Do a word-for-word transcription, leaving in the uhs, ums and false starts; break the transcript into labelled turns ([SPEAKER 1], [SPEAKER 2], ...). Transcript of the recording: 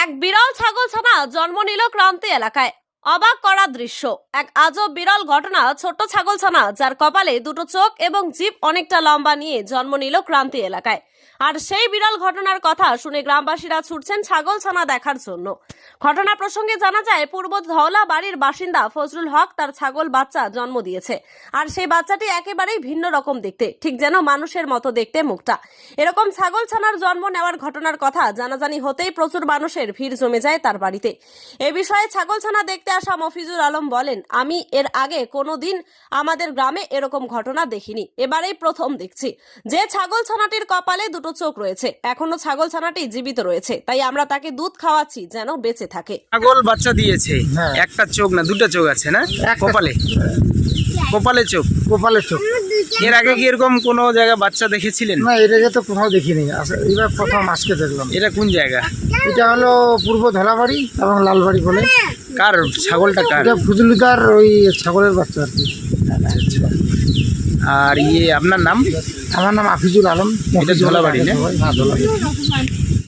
[SPEAKER 1] এক বিরল ছাগল ছানা জন্ম নিল ক্রান্তি এলাকায়। অবাক করা দৃশ্য। এক আজব বিরল ঘটনা। ছোট্ট ছাগল ছানা যার কপালে দুটো চোখ এবং জিভ অনেকটা লম্বা নিয়ে জন্ম নিল ক্রান্তি এলাকায়। আর সেই বিরল ঘটনার কথা শুনে গ্রামবাসীরা ছুটছেন ছাগল ছানা দেখার জন্য। ঘটনা প্রসঙ্গে জানা যায়, পূর্ব ধওলা বাড়ির বাসিন্দা ফজলুল হক তার ছাগল বাচ্চা জন্ম দিয়েছে। আর সেই বাচ্চাটি একেবারেই ভিন্ন রকম দেখতে, ঠিক যেন মানুষের মতো দেখতে মুখটা। এরকম ছাগল ছানার জন্ম নেওয়ার ঘটনার কথা জানাজানি হতেই প্রচুর মানুষের ভিড় জমে যায় তার বাড়িতে। এ বিষয়ে ছাগল ছানা দেখতে আসা মফিজুল আলম বলেন, আমি এর আগে কোনোদিন আমাদের গ্রামে এরকম ঘটনা দেখিনি, এবারেই প্রথম দেখছি। যে ছাগল ছানাটির কপালে দুটো চোখ রয়েছে, এখনো ছাগল ছানাটি জীবিত রয়েছে, তাই আমরা তাকে দুধ খাওয়াচ্ছি যেন বেঁচে থাকে।
[SPEAKER 2] ছাগল বাচ্চা দিয়েছে,
[SPEAKER 3] হ্যাঁ।
[SPEAKER 2] একটা চোখ না দুটো চোখ আছে না
[SPEAKER 3] একটা
[SPEAKER 2] কপালে? কপালে চোখ।
[SPEAKER 3] কপালের চোখ।
[SPEAKER 2] এর আগে কি এরকম কোনো জায়গায় বাচ্চা দেখেছিলেন?
[SPEAKER 3] না, এর আগে তো কোথাও দেখিনি, আস- এবার প্রথম আজকে দেখলাম।
[SPEAKER 2] এটা কোন জায়গা?
[SPEAKER 3] এটা হলো পূর্ব ধলাবাড়ি এবং লালবাড়ি বলে।
[SPEAKER 2] কার ছাগলটা কার?
[SPEAKER 3] এটা ফজলুদার ওই ছাগলের বাচ্চা আর কি।
[SPEAKER 2] আর ইয়ে আপনার নাম?
[SPEAKER 3] আমার নাম আফিজুল আলম।
[SPEAKER 2] এটা ধলাবাড়ি না?
[SPEAKER 3] হ্যাঁ, ধলাবাড়ি।